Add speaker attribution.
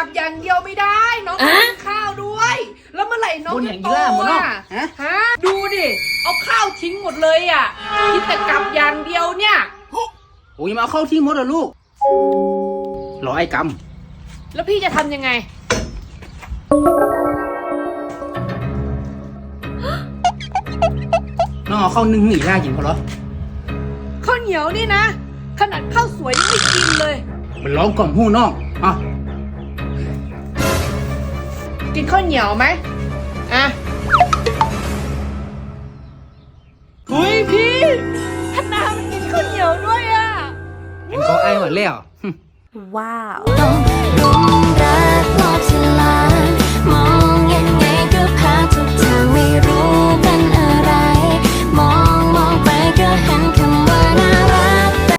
Speaker 1: ลับอย่างเดียวไม่ได้ น้องต้องกินข้าวด้วย แล้วเมื่อไหร่น้องจะโตอ่ะฮะดูดิเอาข้าวทิ้งหมดเลยอ่ะกินแต่กลับอย่างเดียวเนี่ย
Speaker 2: โอ้ยมาเอาเข้าที่มดเหรอลูกรอไอ้ก
Speaker 1: ำแล้วพี่จะทำยังไง
Speaker 2: น้องเอาเข้านึ่งหนีหน้ากินพอเหรอ
Speaker 1: ข้าวเหนียวนี่นะขนาดข้าวสวยยังไม่กินเลย
Speaker 2: มันร้องกล่อมหู้น้องอ่ะ
Speaker 1: กินข้าวเหนียวไหมอ่ะคุยพี่ธนามันกินข้าวเหนียวด้วยอ่ะ
Speaker 2: เป็นเขาไอ้หมดแล้ว
Speaker 3: ว้าว